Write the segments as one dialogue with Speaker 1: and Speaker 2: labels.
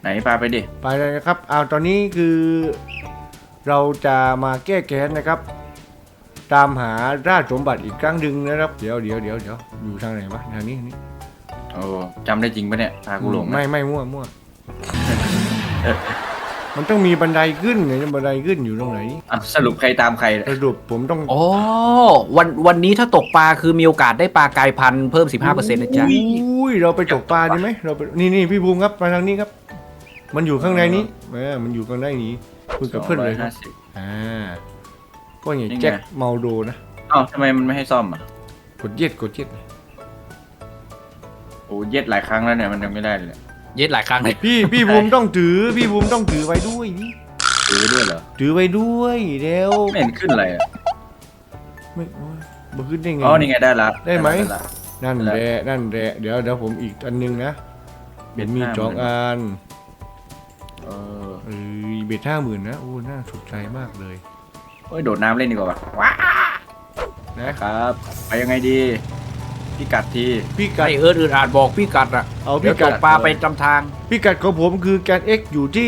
Speaker 1: ไหนพาไปดิ
Speaker 2: ไปเลยนะครับเอาตอนนี้คือเราจะมาแก้แค้นนะครับตามหาราชสมบัติอีกครั้งหนึ่งนะครับเดี๋ยวอยู่ทางไหนวะทางนี้นี่
Speaker 1: โอ้จำได้จริงปะเนี่ยพากูหลงนะ
Speaker 2: ไม่มั่ว มันต้องมีบันไดขึ้นไงบันไดขึ้นอยู่ตรงไหน
Speaker 1: สรุปใครตามใครเนี่ย
Speaker 2: สรุปผมต้อง
Speaker 3: อ๋อวันนี้ถ้าตกปลาคือมีโอกาสได้ปลากายพันธุ์เพิ่ม 15%นะจ๊ะ
Speaker 2: อุ้ยเราไปตกปลาดีไหมเราไปนี่พี่บูมครับมาทางนี้ครับ มันอยู่ข้างในนี้มันอยู่ข้างในนี้คุยกับเพื่อนเลยครับ
Speaker 1: 250
Speaker 2: ก็อย่าง
Speaker 1: นี่ไง
Speaker 2: แจ็คเมาโดนะ
Speaker 1: อ้าวทำไมมันไม่ให้ซ่อมอ่ะ
Speaker 2: กดเย็ด
Speaker 1: โอ้เย็ดหลายครั้งแล้วเนี่ยมันยังไม่ได้เลย
Speaker 3: เย็ดหลายครั้งเลย
Speaker 2: พี่บูมต้องถือพี่บูมต้องถือไว้ด้วยนี่
Speaker 1: ถือด้วยเหรอ
Speaker 2: ถือไว้ด้วยเร็ว
Speaker 1: ไม่เห็นขึ้นอะไรอ่ะ
Speaker 2: ไม่โอ้ยบ่ขึ้นได้ไง
Speaker 1: อ๋อนี่ไงได้ละ
Speaker 2: ได้ไหม
Speaker 1: ละ
Speaker 2: นั่นแหละเดี๋ยวผมอีกอันนึงนะเบ็ดมี2 อัน
Speaker 1: เออ
Speaker 2: เบ็ด50,000นะโอ้น่าสนใจมากเลย
Speaker 1: โอ้ยโดดน้ำเล่นดีกว่าว่ะว้า
Speaker 2: นะครับ
Speaker 1: ไปยังไงดีพี่กัดที
Speaker 2: พี่กัด
Speaker 3: ไออื่นอาจบอกพี่กัดอ่ะ
Speaker 2: เอา
Speaker 3: เดี๋
Speaker 2: พี่
Speaker 3: ยวต
Speaker 2: กัด
Speaker 3: กปลาไปจำทาง
Speaker 2: พี่กัดของผมคือแกน x อยู่ที่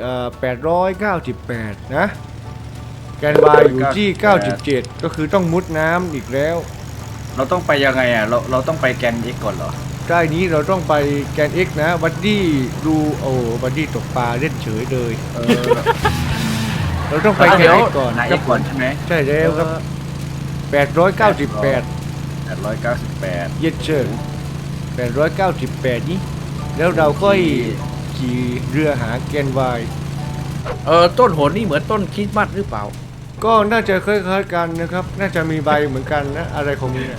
Speaker 2: 898นะแกน y อยู่ที่97ก็คือต้องมุดน้ำอีกแล้ว
Speaker 1: เราต้องไปยังไงอ่ะเราต้องไปแกนเอ็กก่อนเหรอ
Speaker 2: ใต้นี้เราต้องไปแกน x นะบัดดี้ดูโอ้บัดดี้ตกปลาเล่นเฉยเลย เราต้องไปแกน x ก่อน
Speaker 1: นาย
Speaker 2: ค
Speaker 1: เอ็
Speaker 2: รับ
Speaker 1: กก่อนใช่ไหม
Speaker 2: ใช่แล้วครับ898
Speaker 1: 898
Speaker 2: เย็ดเชอร์898นี้แล้วเราค่อยขี่เรือหาแกน y
Speaker 3: ต้นโหนนี่เหมือนต้นคริสต์มาสหรือเปล่า
Speaker 2: ก็น่าจะคล้ายๆกันนะครับ น่าจะมีใบเหมือนกันนะ อะไรของมึงเนี่ย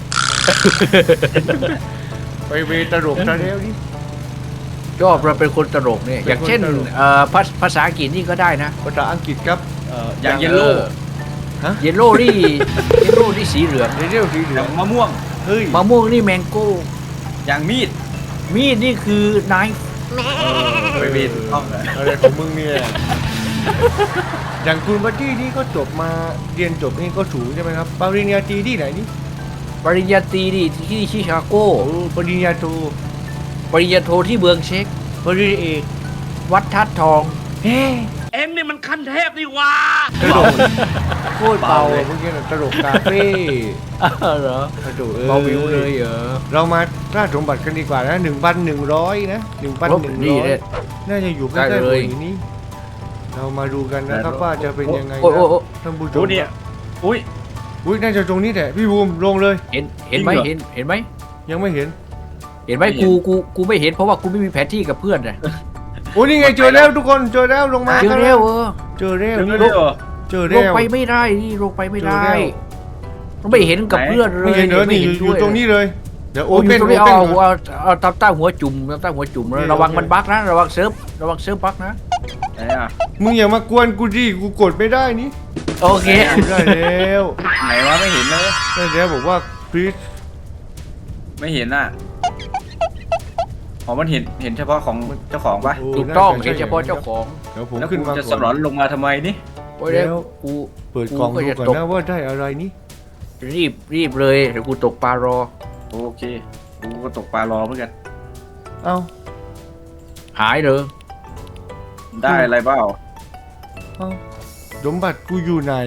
Speaker 2: ไปเวตลกซะแล้วนี่
Speaker 3: ชอบเราเป็นคนตลกเนี่ย อย่างเช่น
Speaker 2: เป็นคนตลก
Speaker 3: ภาษาอังกฤษนี่ก็ได้นะ
Speaker 2: ภาษาอังกฤษครับ
Speaker 1: อย่างเยลโล่
Speaker 3: เยลโล่นี่สีเหลือง
Speaker 2: เรียลสีเหลื
Speaker 1: อ
Speaker 2: อย่าง ง
Speaker 1: มะม่วง
Speaker 2: เฮ้ย
Speaker 3: มะม่วงนี่แมงโก้
Speaker 1: อย่างมีด
Speaker 3: มีดนี่คือไนฟ์
Speaker 1: ไปมีดต้องเหรอ
Speaker 2: อะไรของมึงเนี่ย อย่างคุณบัดดี้นี่ก็จบมาเรียนจบนี่ก็สูงใช่ไหมครับปริญญาตรีที่ไหนนี่
Speaker 3: ปริญญาตรีนี่ที่ชิคาโก
Speaker 2: โอ้ปริญญาโท
Speaker 3: ปริญญาโทที่เมืองเช็ก
Speaker 2: ปริญญาเอก
Speaker 3: วัดทัดทอง
Speaker 2: เฮ้
Speaker 3: เอ็งนี่มันขั้นเทพนี่ว่า
Speaker 2: ตลกโคตรเบาเมื่อกี้น่ะตลกคาเฟ่
Speaker 3: เหรอ
Speaker 2: กระโดด
Speaker 3: เบาวิวเลยเหรอ
Speaker 2: เรามาราชสมบัติกันดีกว่านะ1,100นะ1,100
Speaker 3: เนี่ย
Speaker 2: น่าจะอยู่ใกล้
Speaker 3: ได้
Speaker 2: ๆ
Speaker 3: เลย
Speaker 2: บนนี้เรามาดูกันนะครับว่าจะเป็นยังไง
Speaker 3: โอ้
Speaker 2: นะ
Speaker 3: โอ้โอ้
Speaker 2: ท่านผู้ช
Speaker 1: ดู
Speaker 2: ม
Speaker 1: เนี่ยอุ้ย
Speaker 2: อุ้ยน่าจะตรงนี้แหละพี่บูมลงเลย
Speaker 3: เห็นไหม
Speaker 1: จริงเหรอ
Speaker 3: เห็นไหม
Speaker 2: ยังไม่เห็น
Speaker 3: เห็นไหม
Speaker 1: ไม่เห็น
Speaker 3: กูไม่เห็นเพราะว่ากูไม่มีแผนที่กับเพื่อนนะ
Speaker 2: โอ้ยนี่ไงเจอแล้วทุกคนเจอแล้วลงมา
Speaker 3: เจอ
Speaker 2: กัน
Speaker 3: เร็ว
Speaker 2: เจอแล้ว
Speaker 1: เดี๋ยว
Speaker 2: นี่
Speaker 1: เดี๋ยว
Speaker 2: เจอ
Speaker 3: ล
Speaker 2: แล้
Speaker 3: ง
Speaker 2: ว
Speaker 3: ไปไม่ได้นี่ลงไปไม่ได้
Speaker 2: เจอแล้ว
Speaker 3: ไม่เห็นกับเพื่อนเล
Speaker 2: ไม่
Speaker 3: ย
Speaker 2: เห็นเนอะ
Speaker 3: ไม่
Speaker 2: นี่
Speaker 3: เห็น
Speaker 2: อ
Speaker 3: ด้
Speaker 2: ยู่
Speaker 3: วย
Speaker 2: ตรงนี้เลยเดี๋ยวโอ
Speaker 3: โอ้ย
Speaker 2: เปน
Speaker 3: ตรง
Speaker 2: โอ
Speaker 3: นี้
Speaker 2: เปน
Speaker 3: เอาตับใต้หัวจุ่มตับใต้หัวจุ่มแล้วระวังมันบั๊กนะระวังเซิร์ฟบั๊กนะ
Speaker 1: ไหนอ่ะ
Speaker 2: มึงอย่ามากวนกูดิกูกดไม่ได้นี่
Speaker 3: โอเค
Speaker 2: ได้แล้ว
Speaker 1: ไหนวะไม่เห็นเลย
Speaker 2: ได้แล้วบอกว่าพรีส
Speaker 1: ไม่เห็นอ่ะอ๋อมันเห็นเฉพาะของเจ้าของปะ
Speaker 3: ถูกต้องเห็นเฉพาะเจ้าของ
Speaker 2: เดี๋ยวผม
Speaker 1: แล้ว
Speaker 2: ขึ้น
Speaker 1: คุณ
Speaker 2: มา
Speaker 1: จะ
Speaker 2: ก่
Speaker 1: ส
Speaker 2: อน
Speaker 1: ลอนลงมาทำไมนี่
Speaker 3: โอ้ยแล้ว
Speaker 2: แล้ว
Speaker 3: กู
Speaker 2: เปิดกล่อง
Speaker 3: กูก็
Speaker 2: ดู
Speaker 3: จะ
Speaker 2: ก่อน
Speaker 3: ตก
Speaker 2: นะว่าได้อะไรนี่
Speaker 3: รีบเลยเดี๋ยวกูตกปลารอ
Speaker 1: โอเคกูก็ตกปลารอเหมือนกัน
Speaker 2: เอ้า
Speaker 3: หายเลย
Speaker 1: ได้อะไรเปล่า
Speaker 2: เอ้าสมบัติกูอยู่ไหน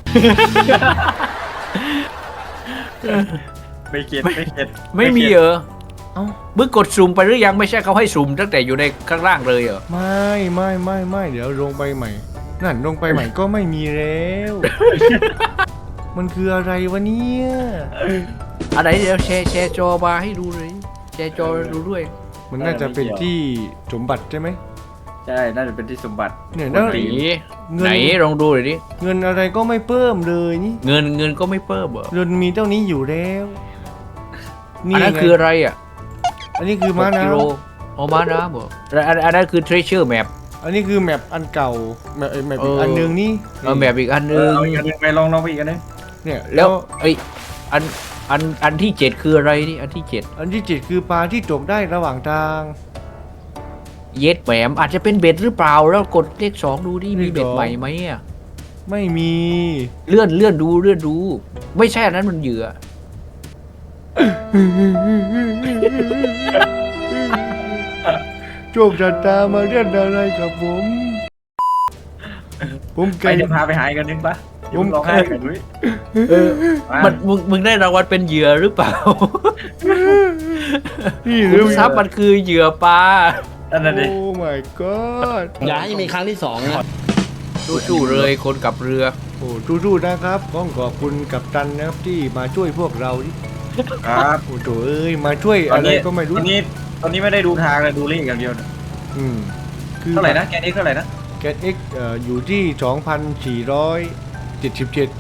Speaker 1: ไม่เก็ตไม่เก็ต
Speaker 3: ไม่มีเหรอ
Speaker 2: เอ้า
Speaker 3: มึงกดสุ่มไปหรือยังไม่ใช่เขาให้สุ่มตั้งแต่อยู่ในข้างล่างเลยเหรอ
Speaker 2: ไม่เดี๋ยวลงไปใหม่ นั่นลงไปใหม่ก็ไม่มีแล้ว มันคืออะไรวะเนี่ย
Speaker 3: อันไหนเดี๋ยวแชร์จอมาให้ดูเลยแชร์จอดูด้วย
Speaker 2: มันน่าจะเป็นที่สมบัติใช่ไหม
Speaker 1: ใช่น่าจะเป็นที่สมบัติ
Speaker 2: เนี่ย
Speaker 3: ไหน
Speaker 2: แล้ว เงิน
Speaker 3: ไหนลองดูหน่อยดิ
Speaker 2: เงินอะไรก็ไม่เพิ่มเลยนี่
Speaker 3: เงินก็ไม่เพิ่มเหรอ
Speaker 2: เงินมีเท่านี้อยู่แล้ว
Speaker 3: อันนั้น
Speaker 2: ไง
Speaker 3: คืออะไรอ่ะ
Speaker 2: อันนี้คือม้า
Speaker 3: 6
Speaker 2: น้
Speaker 3: กิโลอ๋อม้าน้ำเหรอแล้วอันนั้นคือ treasure map
Speaker 2: ำอันนี้คือแมปอันเก่าแมปอีกอันนึงนี่
Speaker 3: แมปอีกอันนึง
Speaker 1: เอาอีกอันหนึงไปลองไปอีกอันหนึง
Speaker 2: เนี่ย
Speaker 3: แล้วไอยอันที่7คืออะไรนี่อันที่7
Speaker 2: อันที่7คือปลาที่ตกได้ระหว่างทาง
Speaker 3: เย็ดแหมอาจจะเป็นเบ็ดหรือเปล่าแล้วกดเลข2ดูดิมีเบ็ดใหม่ไหมอ่ะ
Speaker 2: ไม่มี
Speaker 3: เลื่อนดู ไม่ใช่อันนั้นมันเหยื่อ
Speaker 2: ทโชคชะตามาเล่นอะไรกับผมผม
Speaker 1: ไป
Speaker 2: แก่
Speaker 1: เดี๋ยวพาไปหายกันนึงปะ
Speaker 2: ผม
Speaker 1: ร้องไห้กันด้วย
Speaker 3: มึงได้รางวัลเป็นเหยื่อหรือเปล่า
Speaker 2: นี่ห
Speaker 3: คุ
Speaker 2: รือ
Speaker 3: ณทรัพย์มันคือเหยื่อปลา
Speaker 1: นั่นน่ะดิ
Speaker 2: โอ้ my god
Speaker 4: อย่าให้มีครั้งที่สองนะ
Speaker 3: สู้ๆเลยคนกับเรือ
Speaker 2: โอ้สู้ๆนะครับต้องขอบคุณกัปตันนะครับที่มาช่วยพวกเราดิ
Speaker 1: ครับ
Speaker 2: โอ้โถเอ้ยมาช่วย
Speaker 1: ตอน
Speaker 2: อะไร
Speaker 1: นี้
Speaker 2: ก็ไม่รู้
Speaker 1: ตอนนี้ไม่ได้ดูทางเลยดูเลขอย่างเดียว
Speaker 2: อืมคือ
Speaker 1: เท่าไหร่นะแกนเอ็กเท่าไหร่นะ
Speaker 2: แกน X อยู่ที่ 2,477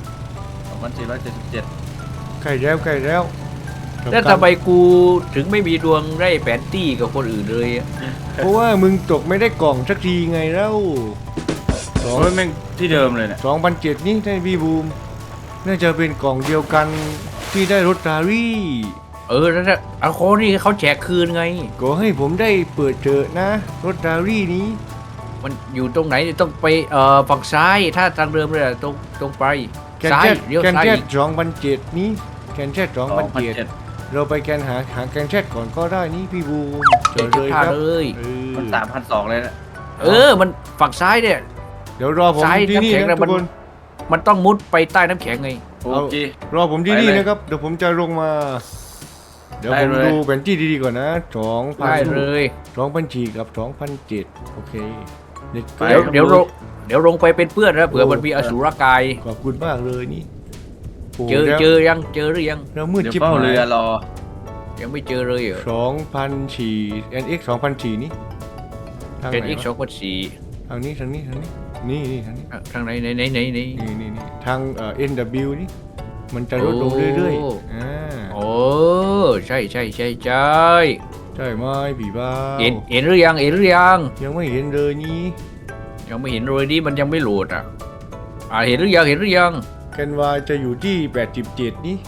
Speaker 1: 2477
Speaker 2: ใกล้แล้ว
Speaker 3: แล้วทำไมกูถึงไม่มีดวงได้แผนที่กับคนอื่นเลยอะ
Speaker 2: เพราะว่ามึงตกไม่ได้กล่องสักทีไงแล้วสอง
Speaker 1: โอ้ยแม่งที่เดิมเลยเนี่ย
Speaker 2: 2,007นี่ได้พี่บูมน่าจะเป็นกล่องเดียวกันที่ได้รถรารี่
Speaker 3: แล้วถ้าเอาโคนี่เขาแจกคืนไง
Speaker 2: ก็ให้ผมได้เปิดเจอนะรถรารี่นี้
Speaker 3: มันอยู่ตรงไหนต้องไปฝั่งซ้ายถ้าทางเดิมเลยอะตรงไป
Speaker 2: แกน
Speaker 3: ซ้าย
Speaker 2: แจ็ด
Speaker 3: เลี้ยว
Speaker 2: แกน
Speaker 3: ซ้าย
Speaker 2: แจ็ด
Speaker 3: อีก
Speaker 2: 2,007นี้แกนแจ็ด2,007เราไปแกนหาแกนแจ็ดก่อนก็ได้นี่พี่บูมเจอเลย
Speaker 3: ท่า
Speaker 2: ครับ
Speaker 3: เลย
Speaker 1: มัน3,200เลยนะ
Speaker 3: มันฝั่งซ้ายเนี่ย
Speaker 2: เดี๋ยวรอผม
Speaker 3: ซ้าย
Speaker 2: ที่นี่
Speaker 3: น้ำแข็ง
Speaker 2: นะ
Speaker 3: นะ
Speaker 2: ทุกคน
Speaker 3: มันต้องมุดไปใต้น้ำแข็งไง
Speaker 1: โอเค
Speaker 2: รอผมที่นี่
Speaker 1: ไปเลย
Speaker 2: นะครับเดี๋ยวผมจะลงมา เดี๋ยว
Speaker 1: ได้
Speaker 2: ผม
Speaker 1: เลย
Speaker 2: ดูแผนที่ดีๆก่อนนะ
Speaker 3: ได้เลย
Speaker 2: 2,004กับ2,007โอเคเด็ก
Speaker 1: ไป
Speaker 3: เดี๋ยวลงไปเป็นเพื่อนนะเผื่อมันมีอสุรกาย
Speaker 2: ขอบคุณมากเลยนี่โอ้
Speaker 3: เจอ
Speaker 2: แล้ว
Speaker 3: หรือยัง
Speaker 2: แล้วมืด
Speaker 1: เดี๋ยว
Speaker 2: ชิบ
Speaker 1: เฝ้า
Speaker 2: หาย
Speaker 1: เรือรอ
Speaker 3: ยังไม่เจอเลยเหรอ
Speaker 2: 2,004 NX 2,004นี่ทาง
Speaker 3: เป็น
Speaker 2: ไหน
Speaker 3: อีก
Speaker 2: วะ
Speaker 3: 2,400
Speaker 2: ทางนี้นี่นี่ทางนี้
Speaker 3: ทางไหนไหน
Speaker 2: นี่ทางNW นี่มันจะลดลงเรื่อย
Speaker 3: โอ้
Speaker 2: ๆ
Speaker 3: โอ้ใช่
Speaker 2: ใช่ไหมผีบ้า
Speaker 3: เห็นหรือยัง
Speaker 2: ยังไม่เห็นเลยนี่
Speaker 3: ยังไม่เห็นเลยดิมันยังไม่โหลดเห็นหรือยัง
Speaker 2: แกน Y จะอยู่ที่87นี่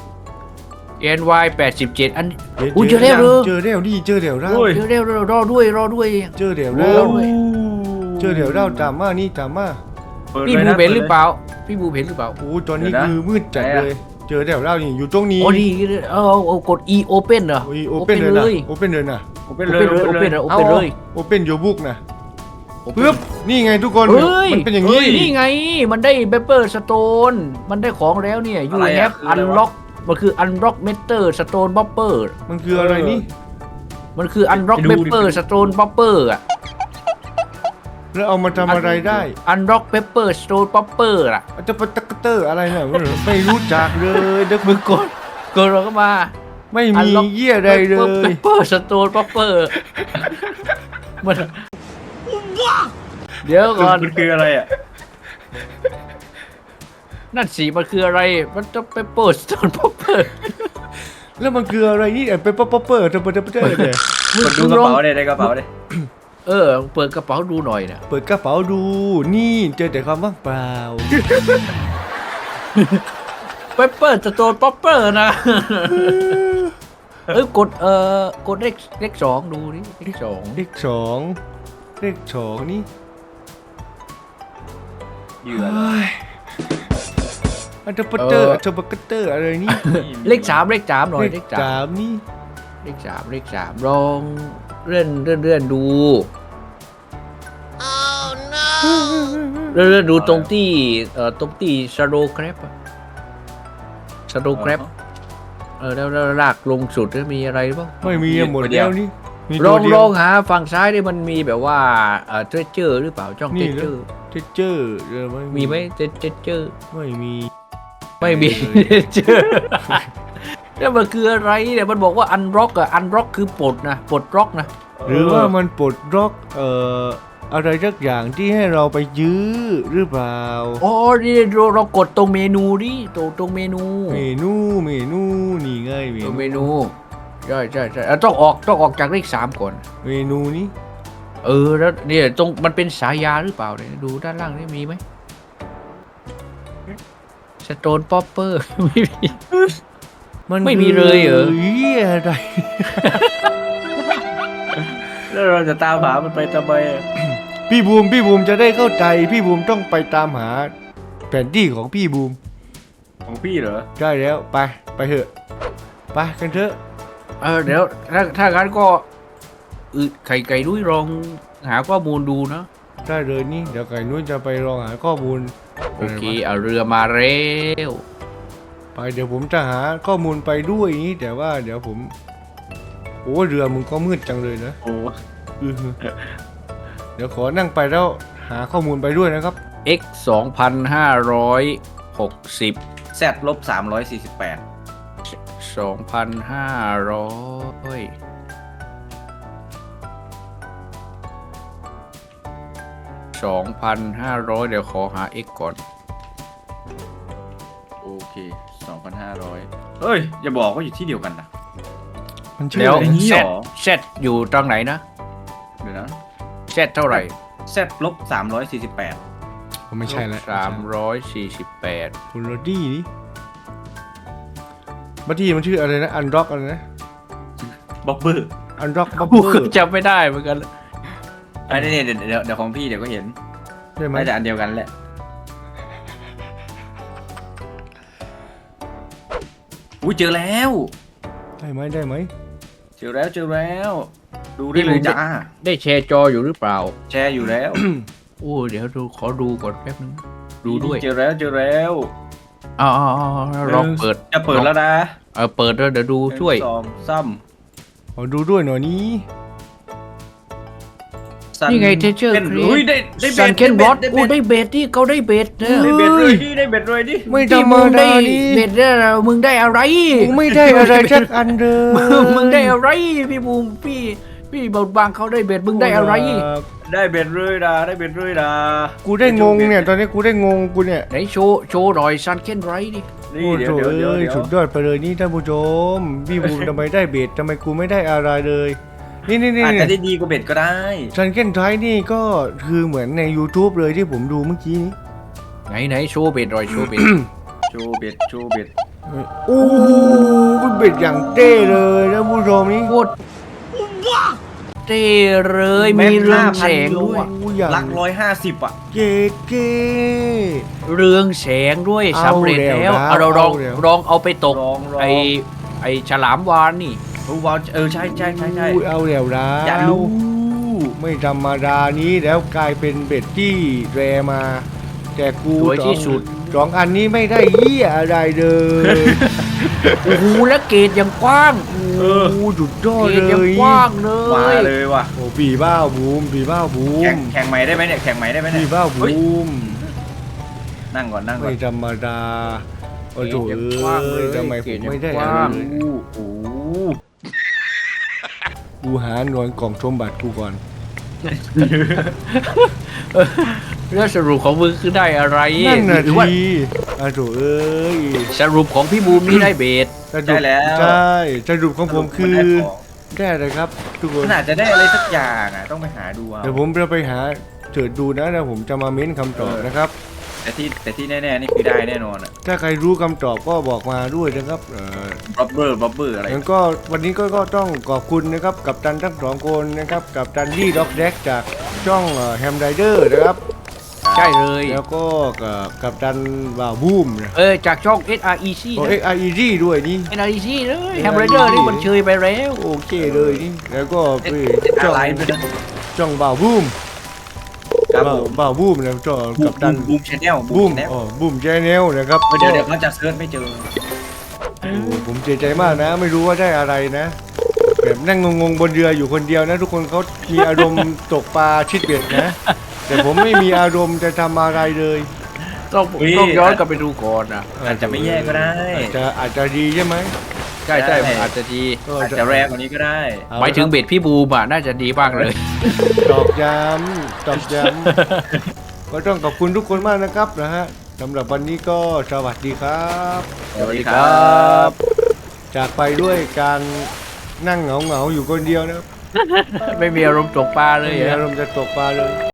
Speaker 3: NY 87อัน
Speaker 2: ห็น
Speaker 3: อุ๊ยเจอแล้วเหรอ
Speaker 2: เจอแล้วนี่เจอแล้ว
Speaker 1: โอ้ย
Speaker 3: เร็วรอด้วย
Speaker 2: เจอแล้ว
Speaker 3: โอ้
Speaker 2: แล้ว
Speaker 3: ย
Speaker 2: เจอแล้วตามมานี่ตามมา
Speaker 1: ปิด
Speaker 3: พี่
Speaker 1: ลย
Speaker 3: บู
Speaker 1: นะ
Speaker 3: เห็นหรือเปล่าพี่บูเห็นหรือเปล่า
Speaker 2: โอ้ตอนนี้
Speaker 1: เดี๋ยวนะ
Speaker 2: คือมืดจัด
Speaker 1: ไหนอะ
Speaker 2: เลย เจอแล้วนี่อยู่ตรงนี้
Speaker 3: โอ้ดีเอากด E open เหรอ
Speaker 2: โอ้ยโอเพ่นเลยนะโอเพ่นเลยนะ
Speaker 1: โอเปน
Speaker 3: โอ
Speaker 1: เลย
Speaker 3: เ
Speaker 1: โอ
Speaker 3: open
Speaker 1: เปน
Speaker 3: เล
Speaker 1: เลย ย
Speaker 2: โอเพ่นโยบุกนะ
Speaker 3: Open
Speaker 2: ปึ๊บนี่ไงทุกคน
Speaker 3: เฮ้ย
Speaker 2: มันเป็นอย่างนี้
Speaker 3: นี่ไง มันได้เบเปอร์สโตนมันได้ของแล้วเนี่ยยู
Speaker 1: อะไร
Speaker 3: แฮ
Speaker 1: อะ
Speaker 3: ป
Speaker 1: คือ
Speaker 3: อั
Speaker 1: อะไร
Speaker 3: น
Speaker 1: วะ
Speaker 3: ล็อกมันคืออันล็อกเมเตอร์สโตนบัฟเฟอร์
Speaker 2: มันคืออะไรนี่
Speaker 3: มันคืออันล็อก
Speaker 1: ไป
Speaker 3: เบ
Speaker 1: ดูดิ
Speaker 3: เปอร์สโตนบัฟเฟอร์อะ
Speaker 2: แล้วเอามาทำอะไรได้
Speaker 3: อันล็อกเบเปอร์สโตนบัฟเฟอร์อะ
Speaker 2: จะปะตะกะเตอร์อะไรเนี่ยไม่รู้จักเลยเด็ก
Speaker 3: มึงกดเราก็มา
Speaker 2: ไม่มีเยี่ยใดเล
Speaker 3: เบ
Speaker 2: ย
Speaker 3: เปอร์สโตนบัฟเฟอร์มันเดี๋ยวก่อน
Speaker 1: มันคืออะไรอ่ะ
Speaker 3: นั่นสีมันคืออะไรมันจะเบเปอร์สโตนบัฟเฟอร์
Speaker 2: แล้วมันคืออะไรนี่เป็นป๊อปเปอร์จะปะตะเนี่ย
Speaker 1: มันดูกระเป๋าเนี่ยในกระเป๋าเนี่ย
Speaker 3: เปิดกระเป๋าดูหน่อยนะ
Speaker 2: เปิดกระเป๋าดูนี่เจอแต่ความว่างเปล่า
Speaker 3: เปเปอร์สโตนบัฟเฟอร์นะ กดเลขสองดูดิเลขสอง
Speaker 2: เลขสองนี่
Speaker 1: เหยื่อ
Speaker 2: อันจะปะเตอร์จะปะกะเตอร์อะไรนี่
Speaker 3: เลขสามหน่อย
Speaker 2: เลขสามนี่
Speaker 3: เลขสามลองเลื่อนดูเลื่อนดูตรงที่ชาโดว์แครปแล้วลากลงสุดแล้วมีอะไรหรือเปล่า
Speaker 2: ไม่มีหมดแล้วนี่มี
Speaker 3: ล
Speaker 2: ตัว
Speaker 3: อง
Speaker 2: เดีย
Speaker 3: ล
Speaker 2: ว
Speaker 3: องหาฝั่งซ้ายดิมันมีแบบว่าเทรเจอร์หรือเปล่าจ้องเทร
Speaker 2: นี่
Speaker 3: เจ
Speaker 2: แล้
Speaker 3: อ
Speaker 2: ว
Speaker 3: ร์
Speaker 2: เทเจอร์ไม่
Speaker 3: มีไหมเทรเจอร์
Speaker 2: ไม่มี
Speaker 3: ไม่มี เจอแล้วมันคืออะไรเนี่ยมันบอกว่าอันร็อกอันร็อกคือปลดร็อกนะ
Speaker 2: หรือว่ามันปลดล็อกอะไรสักอย่างที่ให้เราไปยื้อหรือเปล่า
Speaker 3: อ๋อนี่เรากดตรงเมนูดิตรงเมนู
Speaker 2: เมนูนี่ไงเม
Speaker 3: ตรง
Speaker 2: นู
Speaker 3: เมนูใช่ต้องออกจากเลข3ก่อน
Speaker 2: เมนูนี้
Speaker 3: แล้วเนี่ยตรงมันเป็นสายาหรือเปล่าเนี่ยดูด้านล่างนี่มีไหมสโตนป๊อปเปอร์ ไม่มี ไม่มีเลยเหรอ
Speaker 2: เหี้ยอะไร
Speaker 1: แล้วเราจะตามหามันไปทำไมอะ
Speaker 2: พี่บูมจะได้เข้าใจพี่บูมต้องไปตามหาแผนที่ของพี่บูม
Speaker 1: ของพี่เหรอ
Speaker 2: ได้แล้วไปเถอะไปกันเถอะ
Speaker 3: เดี๋ยวถ้างั้นก็ไข่ไก่นุ้ยลองหาข้อมูลดูนะ
Speaker 2: ได้เลยนี่เดี๋ยวไก่นุ้ยจะไปลองหาข้อมูล
Speaker 3: โอเคเอาเรือมาแล้ว
Speaker 2: ไปเดี๋ยวผมจะหาข้อมูลไปด้วยนี่แต่ว่าเดี๋ยวผมโอ้เรือมึงก็มืดจังเลยนะ
Speaker 1: โอ้
Speaker 2: อือเดี๋ยวขอนั่งไปแล้วหาข้อมูลไปด้วยนะครับ
Speaker 3: x 2,560
Speaker 1: แซดลบ348
Speaker 3: 2,500 เดี๋ยวขอหา x ก่อน
Speaker 1: โอเค 2,500เฮ้ย อย่าบอกว่าอยู่ที่เดียวกันนะ
Speaker 2: มันชื่อ
Speaker 3: แล้ว
Speaker 2: อะไร
Speaker 1: อย่างนี้เหรอ
Speaker 3: Z อยู่ตรงไหนนะ
Speaker 1: เดี๋ยวนะ
Speaker 3: Z เท่าไหร่
Speaker 1: แซดลบ348
Speaker 2: ผมไม่ใช่แล้ว
Speaker 3: 348
Speaker 2: คุณโรดี้นี่บัตตี้มันชื่ออะไรนะอันร็อกอะไรนะ
Speaker 1: บ๊อบเบอร์
Speaker 2: อันร็อกบับ
Speaker 3: กู
Speaker 2: เบอ
Speaker 3: ก็
Speaker 2: ร์
Speaker 3: จำไม่ได้เหมือนกัน
Speaker 1: อันนี้เดี๋ยวของพี่เดี๋ยวก็เห็น
Speaker 2: ใช่ไหม
Speaker 1: น่าจะอันเดียวกันแหละ อุ้ยเจอแล้ว
Speaker 2: ได้ไหมได้ไหม
Speaker 1: เจอแล้ว ดูได้เลยจ้า
Speaker 3: ได้แชร์จออยู่หรือเปล่า
Speaker 1: แชร์อยู่แล้ว
Speaker 3: โอ้เดี๋ยวขอดูก่อนแป๊บนึง ดูด้วย
Speaker 1: เจอแล้ว
Speaker 3: อ๋อลองเปิด
Speaker 1: จะเปิดแล้วนะ
Speaker 3: เปิดแล้วเดี๋ยวดูช่วย
Speaker 1: 1 2 3
Speaker 2: ขอดูด้วยหน่อยนี้
Speaker 3: นี่ไง Teacher
Speaker 1: อุ้ยได้เบ็
Speaker 3: ซัน
Speaker 1: ด
Speaker 3: เคนบอสโอ้ได้เบสที่เขาได้เบสเนี่ย
Speaker 1: ได้เบ็ดเลยดิได้เบ็ดเลยดิ
Speaker 2: ไม่ธร
Speaker 3: ที่
Speaker 2: รม
Speaker 3: มึงได้
Speaker 2: ดานี่
Speaker 3: เบสเนี่ยมึงได้อะไร
Speaker 2: กูไม่ได้อะไรสักอันเลย
Speaker 3: มึงได้อะไรพี่บูมพี่บดบางเขาได้เบสมึงได้อะไร
Speaker 1: ได้เบ็ดเลยนะได้เบ็ดเลยนะ
Speaker 2: กูได้งงเนี่ยตอนนี้กูได้งงกูเนี่ย
Speaker 3: ไหนโชว์หน่อยซันเคนไรดิ
Speaker 1: นี่
Speaker 2: โอ้
Speaker 1: เดี๋
Speaker 2: โห
Speaker 1: ยว
Speaker 2: สุดยอดไปเลยนี่ท่านผู้ชมพี่บูมทำไมได้เบสทำไมกูไม่ได้อะไรเลย นี่
Speaker 1: อาจจะได้ดีกว่าเบ็ดก็ได้
Speaker 2: ซันเก้นไทนี่ก็คือเหมือนใน YouTube เลยที่ผมดูเมื่อกี้นี้
Speaker 3: ไหนโชว์เบสหน่อยโชว์เบส
Speaker 1: โชว์เบ็ด
Speaker 2: โอ้โหเป็นเบ็ดอย่างเต้เลยท่านผู้ชมนี่
Speaker 3: โคตรเท่เลยมีเรืองแสงด้วย
Speaker 2: โอ้อย่าง
Speaker 1: ลัก150อ่ะ
Speaker 2: เก๋เก๋
Speaker 3: เรืองแสงด้วย
Speaker 2: เอา
Speaker 3: สำเร็จแล้ว
Speaker 2: แล้ว
Speaker 3: เอาเราลอง
Speaker 2: เอาแล้ว
Speaker 3: ลองเอาไปตก
Speaker 1: ลอง
Speaker 3: ไอฉลามวานนี่
Speaker 1: ว้าวใช่
Speaker 2: อุ้ยเอาแล้วนะ
Speaker 1: อย่ารู้
Speaker 2: ไม่ธรรมดานี้แล้วกลายเป็นเบ็ดที่แรมา แต่กู
Speaker 3: สวยที่สุด
Speaker 2: สองอันนี้ไม่ได้เหี้ยอะไรเลย
Speaker 3: โอ้โหแล้วเกตยังกว้าง
Speaker 2: โอ้โหสุดยอด
Speaker 3: เกต
Speaker 2: เล
Speaker 3: ยัง
Speaker 2: ย
Speaker 3: กว้างเล
Speaker 1: มาย เลยว่ะ
Speaker 2: โอ้ปีบ้าบูมปีบ้าบูม
Speaker 1: แข่งใหม่ได้ไหมเนี่ยแข่งใหม่ได้ไหมเนี่
Speaker 2: ปี
Speaker 1: ย
Speaker 2: บ้า
Speaker 1: เฮ้ย
Speaker 2: บูม
Speaker 1: นั่งก่อน
Speaker 2: ไม่ธรรมดาโอ้โห
Speaker 3: เกรดยังกว้างเลย
Speaker 2: ทำไมผมไม่ได้
Speaker 3: เกรดยังก
Speaker 2: อะไร
Speaker 3: ว้าง
Speaker 2: เลย
Speaker 1: โอ้
Speaker 2: กูหาหน่วยกล่องชมบัตรกูก่อน
Speaker 3: แล้วสรุปของมึงคือได้อะไร
Speaker 2: นั่นน่ะ
Speaker 3: หรือว่า
Speaker 2: ทีอ้าวโถเอ้ย
Speaker 3: สรุปของพี่บูมนี่ได้เบส
Speaker 2: สรุปใช่สรุปของผมคือได้อะไรครับ ทุกคน
Speaker 1: มันอาจจะได้อะไรสักอย่างอ่ะต้องไปหาดูเอา
Speaker 2: เดี๋ยวผมจะไปหาเจิดดูนะแล้วผมจะมาเม้นคำตอบนะครับ
Speaker 1: แต่ที่แน่ๆนี่คือได้แน่นอนอ่ะ
Speaker 2: ถ้าใครรู้คำตอบก็บอกมาด้วยนะครับ
Speaker 1: บ๊อบเบอร์อะไร
Speaker 2: งั้นก็วันนี้ก็ต้องขอบคุณนะครับกับตันทั้งสองคนนะครับกับตันดี้ด็อกแดกจากช่องแฮมไรเดอร์นะครับ
Speaker 3: ใช่เลย
Speaker 2: แล้วก็กับตันบ่าวบูมนะ
Speaker 3: จากช่อง SREC
Speaker 2: โอ้
Speaker 3: นะ
Speaker 2: XREG ด้วยนี่
Speaker 3: SREC เลยแฮมเบอร์เกอร์นี่มันเชยไปแล้ว
Speaker 2: โอเคเลยนี่แล้วก็ไป
Speaker 1: อะ
Speaker 2: ช่อง
Speaker 1: ไรด้วยนะ
Speaker 2: ช่องบ่าวบูม
Speaker 1: ครับผม
Speaker 2: บ่าวบูมนะช่องกับตัน
Speaker 1: บูมชแนล
Speaker 2: บูมบูมแชนแนลนะครับ
Speaker 1: เดี๋ยวเขาจะเซิร์ชไม่เจอ
Speaker 2: โอ้ผมเสียใจมากนะ ไม่รู้ว่าได้อะไรนะแบบนั่งงงๆบนเรืออยู่คนเดียวนะ ทุกคนเขามีอารมณ์ ตกปลาชิดเบ็ดนะ แต่ผมไม่มีอารมณ์จะทำอะไรเลย
Speaker 3: ต้องย้อนกลับไปดูก่อนนะ
Speaker 1: อาจจะไม่แย่ก็ได้
Speaker 2: อาจจะดีใช่ไหม
Speaker 3: ใช่มันอาจจะดี
Speaker 2: ก็
Speaker 1: อาจจะแรงกว่านี้ก็ได้
Speaker 3: หมายถึงเบสพี่บูมอ่ะน่าจะดีบ้างเลย
Speaker 2: ตอกย้ำก็ต้องขอบคุณทุกคนมากนะครับนะฮะสำหรับวันนี้ก็สวัสดีครับ
Speaker 1: สวัสดีครับ
Speaker 2: จากไปด้วยการนั่งเหงาๆอยู่คนเดียวนะครับ
Speaker 3: ไม่มีอารมณ์ตกปลาเล
Speaker 2: ไม่
Speaker 3: ย
Speaker 2: มี
Speaker 3: อะ
Speaker 2: อารมณ์จะตกปลาเลย